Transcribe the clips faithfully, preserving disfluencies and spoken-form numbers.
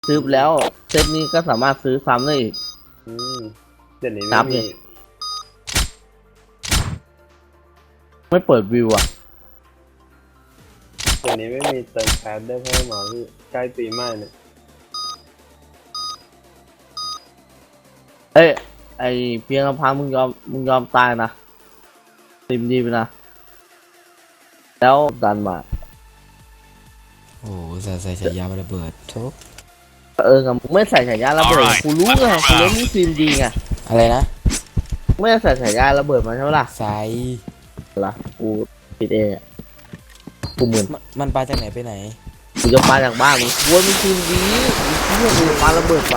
ซื้อแล้วเซตนี้ก็สามารถซื้อซ้ำได้อีกอืมเดี๋ยวนี้นัไม่บเลมีย ไม่เปิดวิวอ่ะเดี๋ยวนี้ไม่มีเติมแคสได้เพิ่มมาพี่ใกล้ปีใหม่เนี่ยเอ้ยไอเพียงลำพังมึงยอมมึงยอมตายนะติมดีไปนะแล้วดันมาโอ้ใส่ใส่ฉายาระเบิดทุกเออกับมึงไม่ใส่ฉายาระเบิดกูรู้ไงกูเล่นนี่ฟิล์มดีไงอะไรนะไม่ได้ใส่ฉายาระเบิดมาใช่ไหมล่ะใส่ล่ะกูปิดเองอะกูเหมือนมันมันปลาจากไหนไปไหนกูจะปาจากบ้านมึงกลัวมึงฟิล์มดีมึงเชื่อกูจะปาระเบิดไป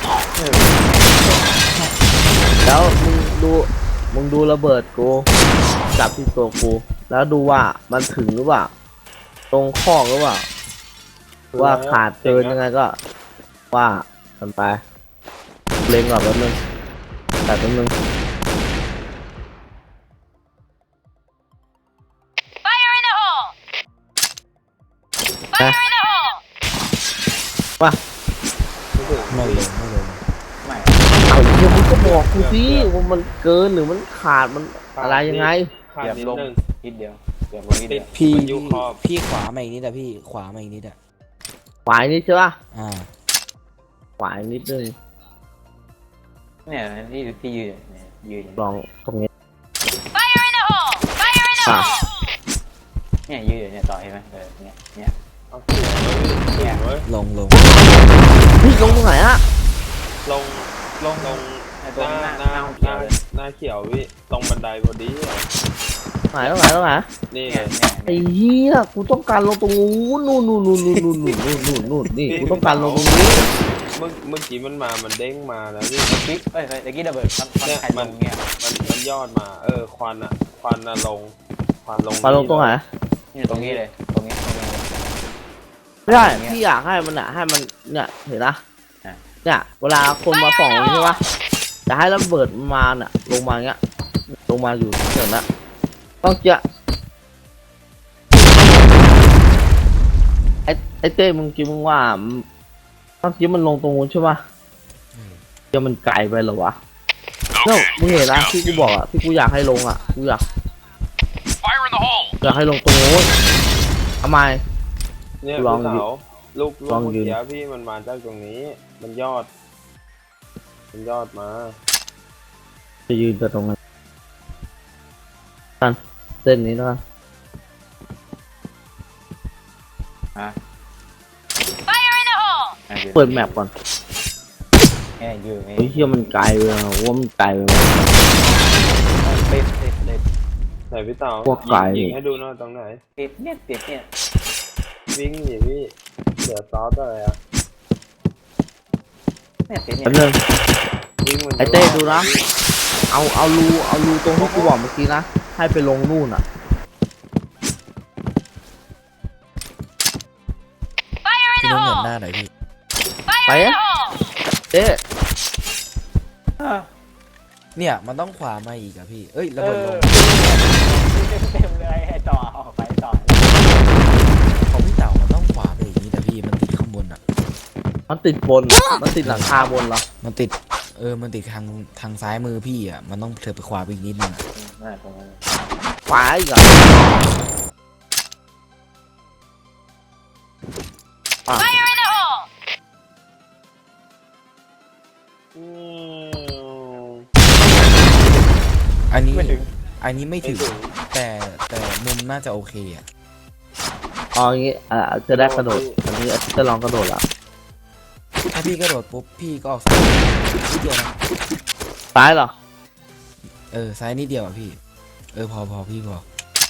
แล้วมึงดูมึงดูระเบิดกูจับที่ตัวกูแล้วดูว่ามันถึงหรือเปล่าตรงข้อหรือเปล่าว่าขาดเกินยังไงก็ว่ากันไปเล็งก่อนแป๊บนึงแต่แป๊บนึง Fire in the hole! Fire in the hole! ว่าไม่ลงไม่ลงเอาเดี๋ยวมึงก็บอกกูสิว่ามันเกินหรือมันขาดมันอะไรยังไงขาดเกือบนิดลงนึงนิดเดียวเกือบลงนิดเดียวพี่มันอยู่ขอบพี่ขวามาอีกนิดอะพี่ขวามาอีกนิดอะขวายนิดใช่ป่ะอ่าขวายนิดนึงเนี่ยที่ที่ยืนเนี่ยยืนลองตรงนี้ Fire in the hole! Fire in the Ah. hole! เนี่ยยืนอยู่เนี่ยต่อเห็นไหมเออเนี่ยเนี่ยเอาเสียงไว้เสียงไว้ลงลงพี่ลงตรงไหนอะลงลงลงไอ้หตัวน้าหน้าหหน้าน้าหเขียน้าวเลยหน้าเขียวพี่ตรงบันไดพอดีอะไหนตรงไหนตรงไหนนี่เนี่ยไงเนี่ยไอ้เหี้ยกูต้องการลงตรงนู้นนู่นนู่นนู่นนู่นนู่นนู่นนู่นนู่นนู่นนี่กูต้องการลงตรงนี้เมื่อเมื่อกี้มันมามันเด้งมาแล้วพี่กิ๊กเอ้ยตะกี้ระเบิดมันมันใครลงเนี่ยมันมันยอดมาเออควันอะควันอะลงควันลงมาลงตรงไหนนี่ตรงนี้เลยตรงนี้ตรงนี้ไม่ได้พี่อยากให้มันอะให้มันเนี่ยเห็นนะเนี่ยเวลาคนมาส่องใช่ปะจะให้ระเบิดมาเนี่ยลงมาเงี้ยลงมาอยู่เฉยนะต้องเจาะไอ้ไอ้เต้มึงคิดมึงว่าต้องคิดมันลงตรงนู้นใช่ปะจะมันไกลไปเหรอวะเนี่ยมึงเห็นนะที่กูบอกอะที่กูอยากให้ลงอะกูอยาก Fire in the hole! อยากให้ลงตรงนู้นทำไมเนี่ยลองพี่ยืนเสาลูกลูลกองเมื่อยืนกี้พี่มันมาจากตรงนี้ มันยอด มันยอดมาจะยืนแต่ตรงนั้นกันเส้นนี้แล้วกันฮะ Fire in the hole! เปิดแมปก่อนเนี่ยยืนนี่เฮ้ยเชี่ยมันไกลเลยอะว่ามันไกลเลยติดติดติดไหนพี่เต๋าพวกไก่ยิงให้ดูหน่อยตรงไหนติดเนี่ยติดเนี่ยวิ่งหนีพี่เสือซอสอะไรอะเนี่ยติดเนี่แป๊ยบนึงวิ่งมันไอ้เต้ดูนะ เอาเอารูเอารูตรงที่กูบอกเมื่อกี้นะให้ไปลงนู่นอ่ะ Fire in พี่ the นุ่นเหยียบ hole! หน้าหน่อยพี่ Fire in the hole! เต้เนี่ยมันต้องขวามาอีกอะพี่เอ้ยระเบิดลงเต็มเลยให้ต่อออกไปต่อของพี่เต่ามันต้องขวาไปอีกนิดแต่พี่มันติดข้างบนอะมันติดบนมันติดหลังคาบนเหรอมันติดเออมันติดทางทางซ้ายมือพี่อะมันต้องเถิดไปขวาไปอีกนิดนึงอะนั่นตรงนั้นขวาอีกเหรอ Fire in the hole! อืมอันนี้ไม่ถึงอันนี้ไม่ไม่ถึงถึงแต่แต่มุมน่าจะโอเคอะอ๋ออย่างงี้อ่าจะได้กระโดดอันนี้จะลองกระโดดละถ้าพี่กระโดดปุ๊บพี่ก็ออกซ้ายนิดเดียวนะซ้ายเหรอเออซ้ายนิดเดียวอะพี่เออพอพอพี่พอ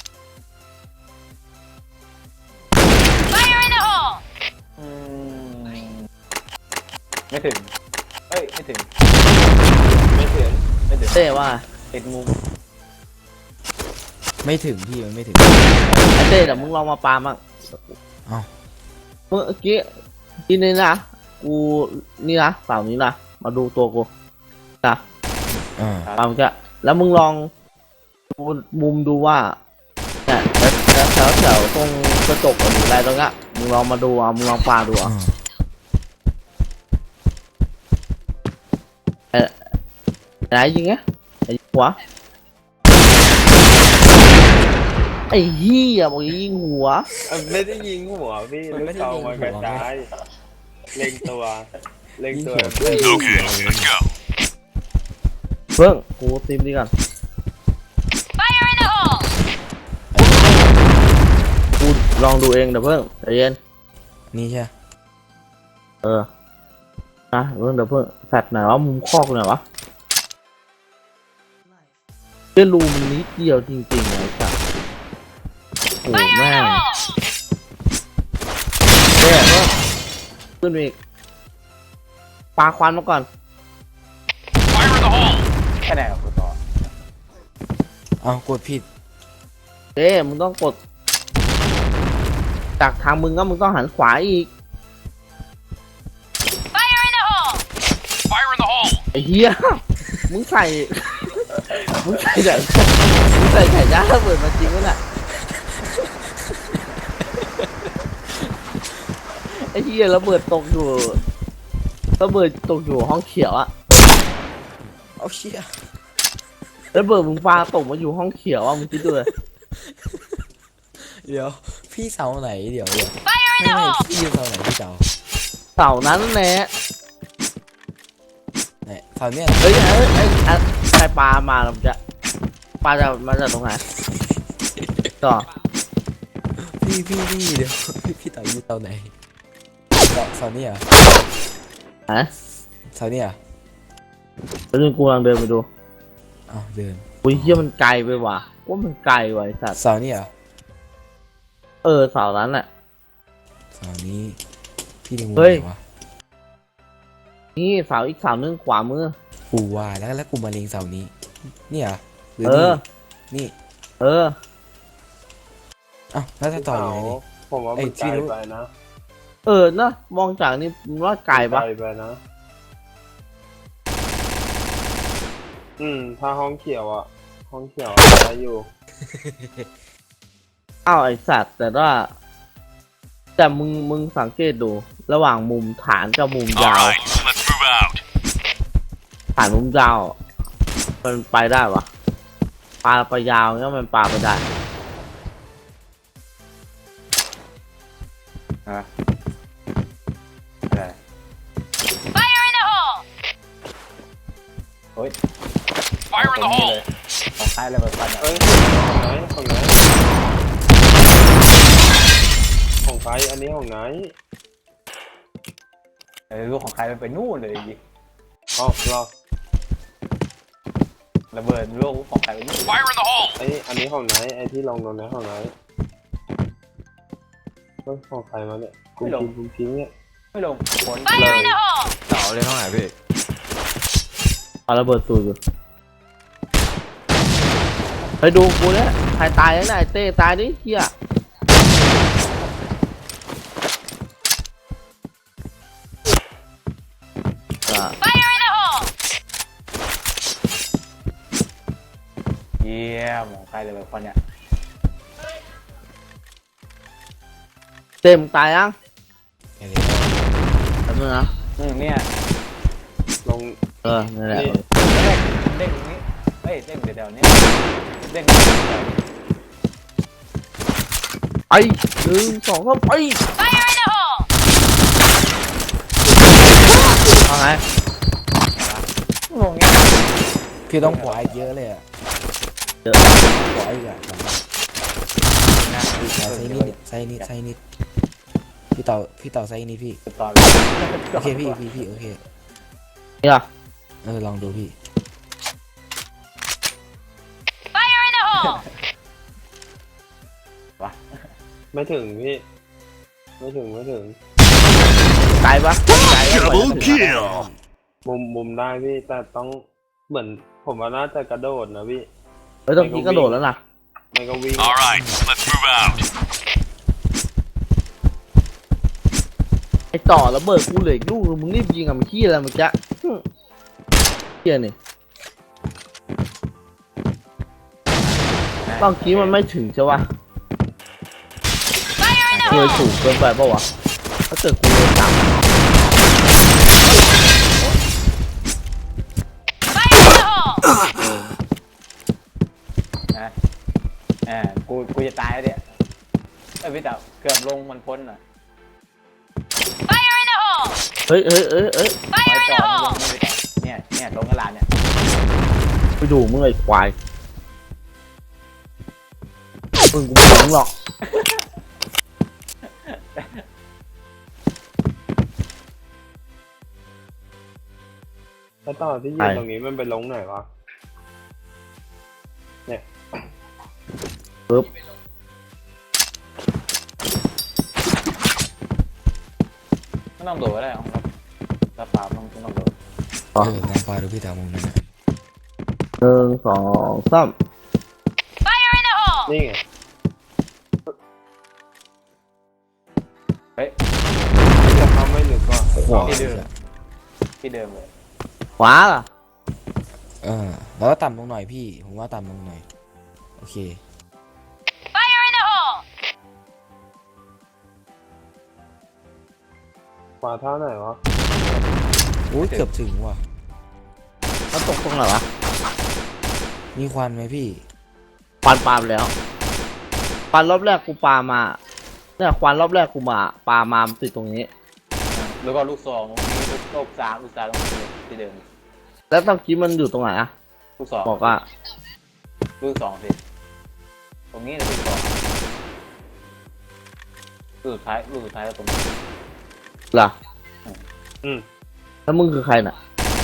Fire in the hole! อืมไม่ถึงเอ้ยไม่ถึงไม่ถึงไม่ถึงเต้ว่าติดมุมไม่ถึงพี่มันไม่ถึงไอ้เต้เดี๋ยวมึงลองมาปามั่งเอ้าเมื่อกี้ที่นี่นะกูนี่นะเสานี้นะมาดูตัวกูนะอ่าปามึงจะแล้วมึงลองดูมุมดูว่าเนี่ยแล้วแถวแถวตรงกระจกหรืออะไรตรงเนี้ยมึงลองมาดูอ่ะมึงลองปาดูอ่ะอ่าไหนยิงไงไอ้หัวไอ้เหี้ยบอกยิงหัวอ่ะไม่ได้ยิงหัวพี่ลูกซองมันกระจายเล็งตัวเล็งยิงตัวหัวเพื่อน Okay, let's go. เพิ่งกูตีมดีก่อน Fire in the hole! กูลองดูเองเดี๋ยวเพิ่งใจเย็นนี่ใช่เออนะเพิ่งเดี๋ยวเพิ่งแฟดไหนวะมุมคอกไหนวะเจ้ารูมันนิดเดียวจริงๆไอ้สัสโอ้ Fire in แม่ the ง hole! เจ้เพิ่งขึ้นอีกปาควันมาก่อน Fire in the hole. แค่ไหนกับกูต่อเอากดผิดเจ้มึงต้องกด จากทางมึงก็มึงต้องหันขวาอีก Fire in the hole! Fire in the hole. ไอ้เหี้ย มึงใส่ มึงใส่แบบมึงใส่ไข่ย่างระเบิดมาจริงวะน่ะ ไอ้เหี้ยระเบิดตกอยู่ระเบิดตกอยู่ห้องเขียวอะเอาเชี่ยระเบิดมึงปาตกมาอยู่ห้องเขียวอะมึงคิดดูเลยเดี๋ยวพี่เสาไหนเดี๋ยวเดี๋ยว Fire in ไม่ the ไม่ hole! พี่เสาไหนพี่เสาเสานั้นแหละไหนเสาเนี่ยเอ้ยเอ้ยเอ้ยเอ้ยใครปลามาเราจะปลาจะมาจากตรงไหนต่อพี่พี่พี่เดี๋ยวพี่พี่เสาอยู่เสาไหนเสาเสาเนี่ยฮะเสาเนี่ยแล้วนึงกูกำลังเดินไปดูอ้าวเดินอุ้ยเหี้ยมันไกลไปว่ะว่ามันไกลว่ะไอ้สัตว์เสาเนี่ยเออเสานั้นแหละเสานี้พี่ดึงเฮ้ยวะนี่เสาอีกเสานึงขวามือกูว่าแล้วแล้วกูมาเล็งเสานี้เนี่ยหรือเอนี่อนี่เอออ้าวแล้วจะต่อยังไงนี่ผมว่าไอ้มันที่ไกลรู้ไปนะเออเนอะมองจากนี่มึงว่าไกลปะไกลไปนะ อืมถ้าห้องเขียวอ่ะ ห้องเขียวได้อยู่อ้าวไอสัตว์แต่ว่าแต่มึงมึงสังเกตดู ระหว่างมุมฐานกับมุม All ยาว right, let's move out. ฐานมุมยาวมันไปได้ปะปลาไปยาวเงี้ยมันปลาไปได้ฮะอะไร Fire in the hole! โอ้ย Fire in the hole. ของใครเลยแบบฟันอ่ะเอ้ยของไหนของไหนของใครอันนี้ของไหนเออลูกของใครมันไปนู่นเลยยิงอ๋อรอระเบิดลูกของใครไปนู่น Fire in the hole. ไออันนี้ของไหนไอที่ลงตรงนี้ของไหนเฮ้ยของใครมาเนี่ยกูทิ้งกูทิ้งเนี่ยไม่ลงผล Fire in the hole! เสาเลยเท่าไหร่พี่ปาระเบิดสูดอยู่ไปดูกูเนี่ยใครตายแล้วนะไอ้เต้ตายดิเฮียอ่ะ Fire in the hole! เยี่ยมของใครเลยแบบฟันเนี่ยเต็มตายยังแค่นี้ทำไมนะอืมเนี่ยลงเออนั่นแหละนี่เด้งตรงนี้เฮ้ยเด้งเดี๋ยวๆนี้เด้งเดี๋ยวๆนี้ไปหนึ่งสองสามไป Fire in the hole! เอาไงงงเงี้ยพี่ต้องขวาอีกเยอะเลยอะเยอะขวาอีกอะขวานะขวาไซนิดไซนิดไซนิดพี่ต่อพี่ต่อไซนิดพี่ต่อโอเคพี่พี่พี่โอเคนี่ล่ะเออลองดูพี่ Fire in the hole! ไม่ถึงพี่ ไม่ถึงไม่ถึงไกลปะไกลปะ Double kill. มุมมุมได้พี่แต่ต้องเหมือนผมว่าน่าจะกระโดดนะพี่เฮ้ยต้องกี้กระโดดแล้วนะไม่ก็วิ่ง All right, let's move out. ไอต่อระเบิดกูเหลืออีกลูกนึงมึงรีบยิงกับมันขี้อะไรเมื่อกี้หึเฮียนี่บางทีมันไม่ถึงใช่ปะ Fire in the เลย hole! สูงเกินไปปะวะถ้าเกิดกูเลยต่ำ Fire in the hole! จะตายแล้วเนี่ยเอ้ยพี่เต๋าเกือบลงมันพ้นอ่ะ Fire in the hole! เฮ้ยเฮ้ยเฮ้ยเฮ้ยไว้ Fire in ต่ the อ hole! ไม่ได้เนี่ยเนี่ยลงกระลานเนี่ยไปดูมึงไอ้ควายมึงกูไม่ถึงหรอกแล้วตอนที่ยืนตรงนี้มันไปลงไหนวะปึ๊บไม่ต้องโดดก็ได้เอาครับกระเป๋าต้องต้องโดดเออลองปาดูพี่เต๋ามุมนั้นนะหนึ่งสองสาม Fire in the hole! นี่ไงเฮ้ยจะเขาไม่หรือก็ขวาที่เดิมที่เดิมเลยขวาล่ะเออแล้วก็ต่ำลงหน่อยพี่ผมว่าต่ำลงหน่อยโอเค Fire in the hole! ขวาเท่าไหนวะอุ้ยเกือบถึงว่ะมันตกตรงไหนวะมีควันไหมพี่ควันปาไปแล้วควันรอบแรกกูปามาเนี่ยควันรอบแรกกูมาปามามันติดตรงนี้แล้วก็ลูกซองตรงนี้ลูกลูกสามลูกสามตรงนี้ที่เดิมแล้วตอนกี้มันอยู่ตรงไหนอะลูกสองบอกว่าลูกสองสิตรงนี้เลยลูกสองลูกสุดท้ายลูกสุดท้ายแล้วตรงนี้ล่ะอืมแล้วมึงคือใครน่ะ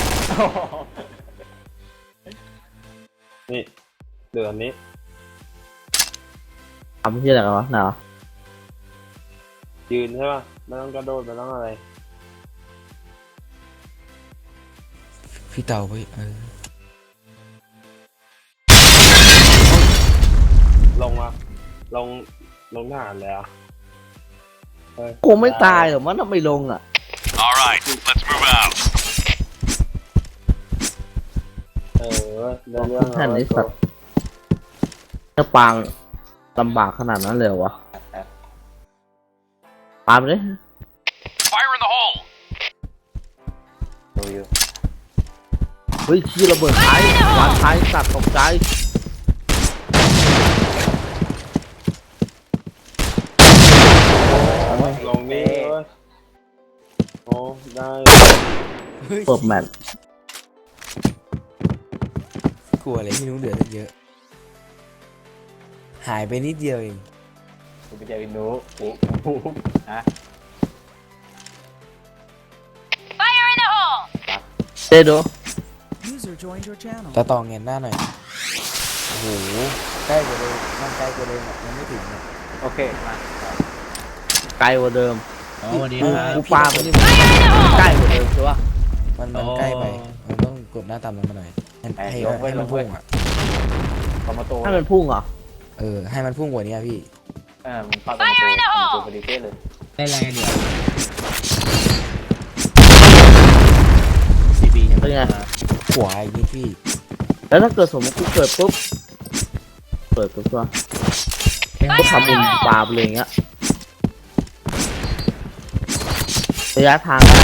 นี่เดือนนี้ทำที่อะไรกันวะไหนวะยืนใช่ป่ะไม่ต้องกระโดดไม่ต้องอะไรพี่เต๋าไปเออลงมาลงลงทหารเลยอ่ะเฮ้ยกูไม่ตายหรอกมันทำไมลงอ่ะ All right, let's move out. เออเรื่องเรื่องแค่นี้สัตว์จะปางลำบากขนาดนั้นเลยเหรอวะปาไปเลย Fire in the hole. ดูอยู่เฮ้ยชี้ระเบิดท้ายวางท้ายสัตว์ตกใจลงนี่เว้ยโอ้ได้เปิดแมตช์กลัวอะไรพี่นุ้งเดือดตั้งเยอะ หายไปนิดเดียวเองดูไปเจอวินโดว์โอ้โหฮะ Fire in the hole! เจโด User joined your channel. ตะตองเงินหน้าหน่อยโอ้โหใกล้กว่าเดิมมันใกล้กว่าเดิมอะมันไม่ถึงอะโอเคมาไกลกว่าเดิมอ๋อวันนี้กูครับกูปาไปนี่ Fire in the hole! ใกล้กว่าเดิมใช่ปะมันมันอ๋อใกล้ไปมันต้องกดหน้าต่ำลงมาหน่อยให้ให้ให้มันพุ่งอ่ะคอมโมโตให้มันพุ่งเหรอเออให้มันพุ่งกว่านี้อะพี่เออมันปักคอมโมโตคอมโมโตพอดีเป๊ะเลยได้แรงเดียวซีบีเป็นไงขวาอีกนิดพี่แล้วถ้าเกิดสมมติกูเกิดปุ๊บเปิดปุ๊บก็กูทำมุมปาไปเลยอย่างเงี้ยระยะทางได้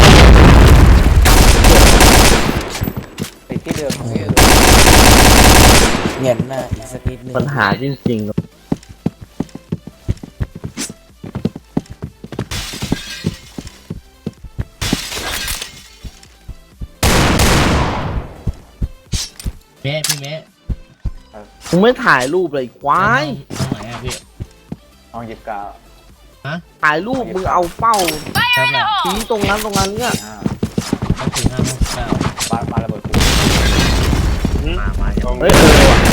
ไปที่เดิมเออเงินหน้าอีกสักนิดนึงปัญหาจริงๆเมะพี่เมะมึงไม่ถ่ายรูปเลยควายห้องไหนอะพี่ห้องหยิบกาวถ่ายรูปมึงเอาเป้า Fire in the ชี้ hole! ตรงนั้นตรงนั้นเนี่ยอ่าห้องถึงห้าห้องเก้าปาปาระเบิดกูมามาอย่างตรงเฮ้ยเออว่ะ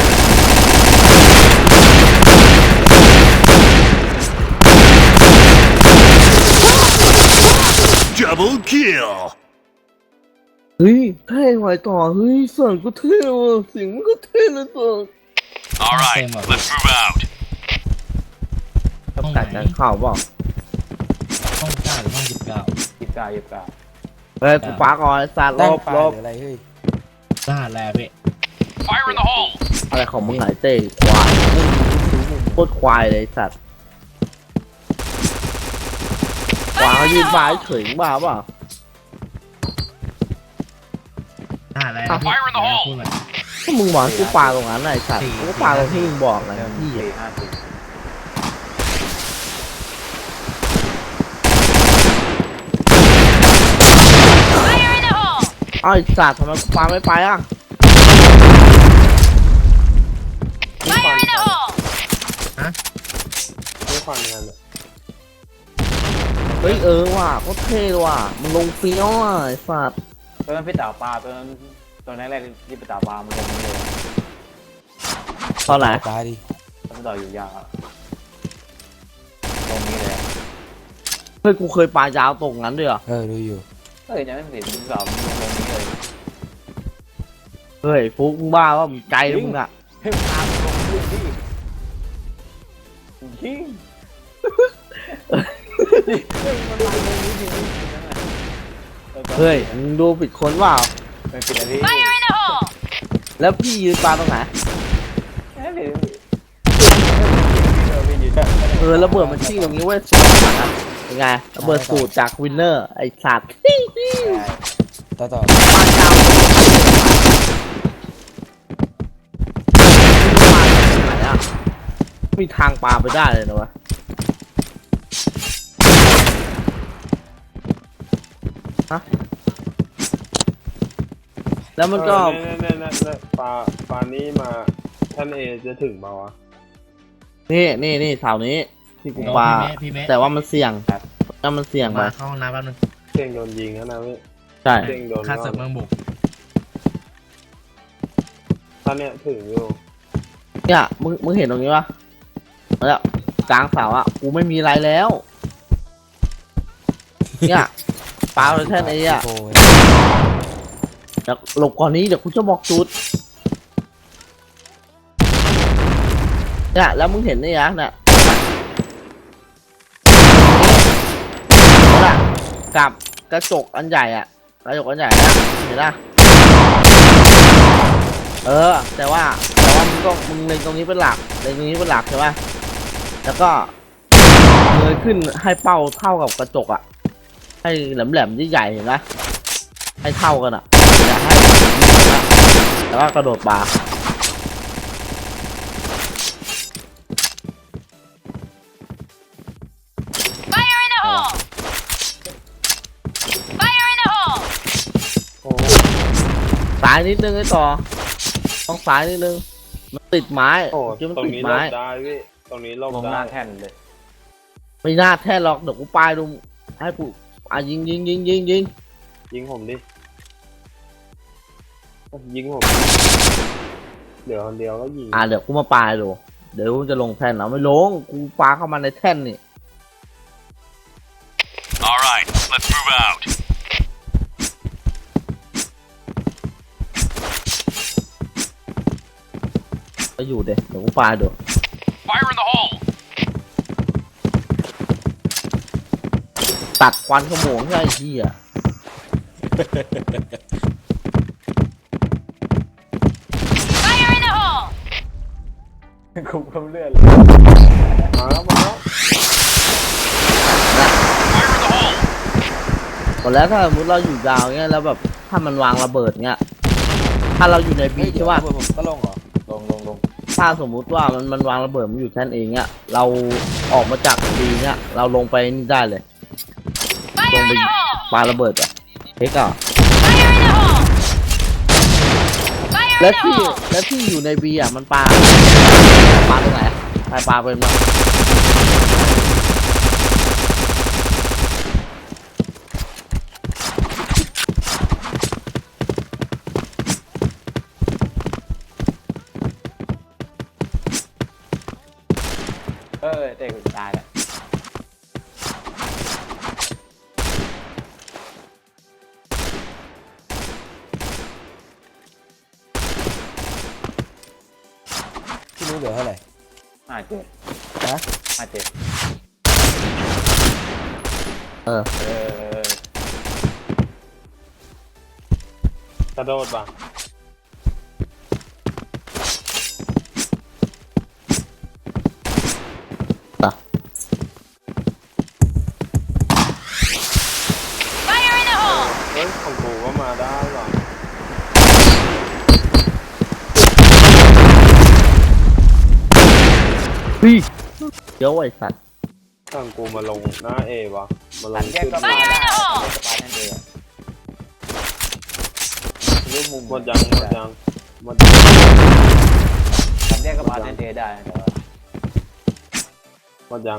Double kill. เฮ้ยเท่ไว้ต่อเฮ้ยเสียงกูเท่ว่ะเสียงมันก็เท่เลยตัว All right, let's move out. กัดกันเข้าเปล่าห้องเก้าหรือห้องสิบเก้าหยิบกาวหยิบกาวเฮ้ยกูปาก่อนไอ้สัตว์ลตั้งบปลาลบหรืออะไรเฮ้ยรหัสแล้วพี่ Fire in the hole. อะไรของมึงไหนเต้ควายโคตรควายเลยไอ้สัตว์ขวา Fire เขา in ยื the นบ้า hole! เฉยบ้าเปล่ารหัสแล้วพี่ Fire in the hole พูดหน่อยถ้ามึงบอกให้กูปาตรงนั้นน่ะไอ้สัตว์กูก็ปาตรงที่มึงบอกนะหนึ่งพี่สี่ห้าสี่เอ้าไอ้สัตว์ทำไมกูปาไม่ไปอ่ะ Fire in the hole! ไม่ฟังกันอะเฮ้ยเออว่ะโคตรเท่เลยว่ะมันลงเฟี้ยวอ่ะไอ้สัตว์ตัวนั้นพี่เต่าปลาตัวนั้นตัวนั้นแรกที่พี่เต่าปลามันลงนี่เลยตอนไหนตายดิตัวพี่เต่าอยู่ยาวอะตรงนี้เลยอะเฮ้ยกูเคยปายาวตรงนั้นด้วยเหรอเออดูอยู่เฮ้ยยังไม่เห็นพี่เต่ามันลงตรงนี้เลยเฮ้ยฟุกมึงบ้าว่ามึงไกลนะมึงอ่ะเฮ้ยมันตามลงพื้นที่ยิงเฮ้ยมันมาตรงนี้จริงๆเฮ้ยมึงดูผิดคนเปล่าไม่ผิดนะพี่ Fire in the hole! แล้วพี่ยืนปาตรงไหนไม่ผิดเออพี่ยืนเออระเบิดมันชิ่งตรงนี้เว้ยสวยมากอะเป็นไงระเบิดสูตรจากวินเนอร์ไอ้สัตว์ต่อต่อปายาวมาจากไหนอ่ะมีทางปาไปได้เลยนะวะฮะแล้วมันก็เออเนี่ยเนี่ยเนี่ยปลาปลานี้มาท่านเอจะถึงเปล่าวะนี่นี่นี่เสานี้ที่กูโอ้ปาพี่เมฆพี่เมฆแต่ว่ามันเสี่ยงถ้ามันเสี่ยงไปมาเข้าห้องน้ำแป๊บนึงเสียงโดนยิงแล้วนะพี่ใช่เสียงโดนค่าเสริมเมืองบุกท่านเนี่ยถึงอยู่เนี่ยมึงมึงเห็นตรงนี้ปะแล้วกลางเสาอ่ะกูไม่มีอะไรแล้วเนี่ยปาเลยแค่นี้อ่ะโอ้ยเดี๋ยวหลบก่อนนี้เดี๋ยวกูจะบอกจุดเนี่ยแล้วมึงเห็นนี่ยังเนี่ยนั่นแหละกับกระจกอันใหญ่อ่ะกระจกอันใหญ่นะเห็นปะเออแต่ว่าแต่ว่ามึงก็มึงเล็งตรงนี้เป็นหลักเล็งตรงนี้เป็นหลักใช่ปะแล้วก็เงยขึ้นให้เป้าเท่ากับกระจกอ่ะให้แหลมๆใหญ่ๆเห็นปะให้เท่ากันอ่ะอย่าให้แล้วก็กระโดดปา Fire in the hole! Fire in the hole! โอ้สายนิดนึงไอ้ต่อต้องสายนิดนึงมันติดไม้โหที่มันตรงติดนี้หลไม้บได้พี่ตรงนี้หลบลงหได้น้าแท่นเลยไม่น่าแท้หรอกเดี๋ยวกูปาดูให้กูอ่ะยิงยิงยิงยิงยิงยิงผมดิยิงผมเดี๋ยวคนเดียวก็ยิงอ่ะเดี๋ยวกูมาปาดูเดี๋ยวกูจะลงแท่นเอาไม่ลงกูปาเข้ามาในแท่นนี่ All right, let's move out. ก็อยู่เดี๋ยวเดี๋ยวกูปาดู Fire in the hole. ตัดควันขโมงใช่ไอ้เหี้ย Fire in the hole! คุมคำเลื่อนเลยมาแล้วมาแล้ว Fire in the hole. ตอนแล้วถ้าสมมติเราอยู่ยาวเงี้ยแล้วแบบถ้ามันวางระเบิดเงี้ยถ้าเราอยู่ในบีเฮ้ยเดี๋ยใช่วป่ะผมก็ลงเหรอลงลงลงถ้าสมมุติว่ามันมันวางระเบิดมันอยู่แท่นเองเงี้ยเราออกมาจากบีเงี้ยเราลงไปนี่ได้เลย Fire in the hole! ปาระเบิดอ่ะเฮ้ยก็ Fire in the hole! Fire และ in the ที่ hole! และที่อยู่ในบีอ่ะมันปาปาตรงไหนใครปาเป็นมั้งเออเตะกูตายแล้วพี่รู้เหลือเท่าไหร่ห้าเจ็ดนะห้าเจ็ดเออเออกระโดดป่ะ Fire in the hole! เฮ้ยของกูก็มาได้หรอพี่เดี๋ยวไอ้สัตว์สั่งกูมาลงหน้าเอวะมาลตังดแยกขึ้นก็มาได้ไม่ได้สปาร์ตันเดย์รูปมุมหมดยังหมดยังหมดยังสามแยกก็มาเทนเทได้แต่ว่าหมดยัง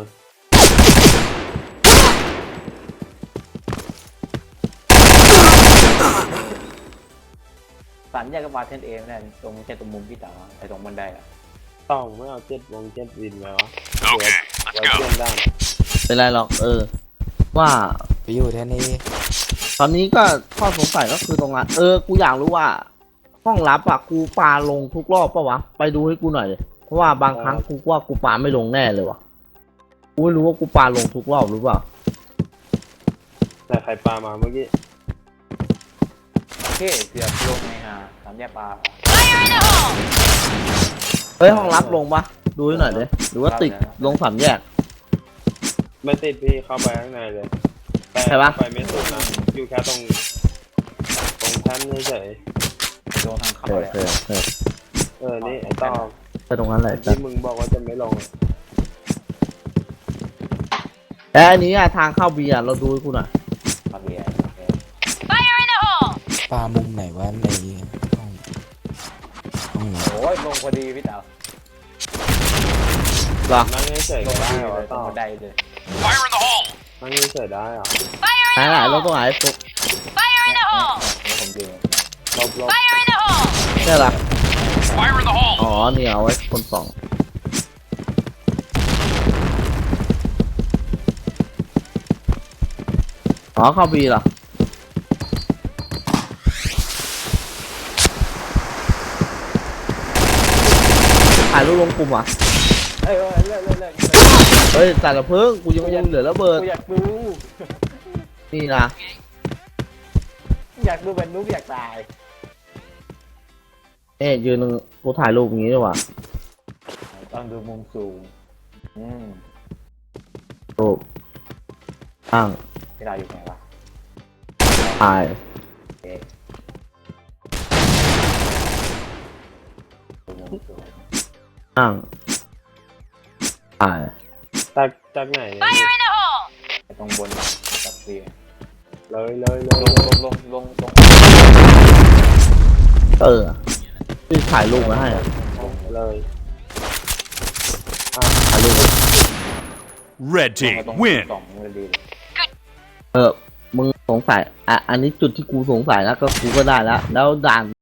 สามแยกก็มาเทนเอไม่ได้ตรงแค่ตรงมุมพี่เต๋อไอ้ตรงบันไดอะต้องไม่เอาเจ็ดวงเจ็ดวินไหมวะ Okay, ไว้ let's เพื่ go. อนด้านเป็นไรหรอกเออ ว่าไปอยู่แทนนี้ตอนนี้ก็ข้อสงสัยก็คือตรงนั้นเออ กูอยากรู้ว่า ห้องลับอ่ะกูปาลงทุกรอบปะวะ ไปดูให้กูหน่อยเลยเพราะว่าบางครั้งกูว่ากูปาไม่ลงแน่เลยวะกูไม่รู้ว่ากูปาลงทุกรอบหรือเปล่าแต่ใครปามาเมื่อกี้โอเคเกือบลงไงฮะสามแยกปลา Fire in the hole! เฮ้ยห้องลับลงปะดูให้หน่อยเลยหรือว่าติดลงสามแยกไม่ติดพี่เข้าไปข้างในเลยแต่ใช่ปะไปไม่สุดนะอยู่แค่ตรงตรงแท่นเฉยลงทางเขาเออเลยเออเออๆเออนี่ไอ้ต้องไปตรงนั้นเลยจ้ะที่มึงบอกว่าจะไม่ลงอะแล้วอันนี้อะทางเข้าเบียร์เราดูให้กูหน่อยปลาเบียร์ Fire in the hole! ปลามุมไหนวะในห้องห้องไหนโอ้ยลงพอดีพี่เต๋อเหรอนั่งเฉยๆลก็งพอได้ดีเหรเลอยตรต้งองบันไดเลย Fire in the hole! นั่งเฉยๆได้เหรอ Fire ไหน in ไหน the เรา hole! ตรงไหนฟุก Fire in the hole! นี่ผมยืนลบลบ Fire in the hole! ใช่เหรอ Fire in the hole! อ๋อเนี่ยเอาไว้คนสองอ๋อเข้าบีเหรอถ่ายรูปลงกลุ่มอ่ะเฮ้ยเฮ้ยเลิกเลิกเลิกเฮ้ยแต่ละเพิ่งกูยังยังเหลือระเบิดกูอยากดูนี่นะอยากดูเป็นนุ๊กอยากตายเอ๊ะยืนกูถ่ายรูปอย่างนี้ดีกว่าต้องดูมุมสูงอืมรูปตั้งพี่เราอยู่ไหนวะถ่ายเอ๊ะดูมุมสูงตั้งถ่ายจากจากไหนเนี่ย Fire in the hole! ไอ้ตรงบนกับเบียร์เลยเลยเลลยงลงลงลงลงเออที่ถ่ายรูปมาให้อะเลยถ่ายรูปมา Red ลง team มาตรง win. สองเลยดีเลยเออมึงสงสัยอ่ะอันนี้จุดที่กูสงสัยแล้วก็กูก็ได้แล้วแล้วด่าน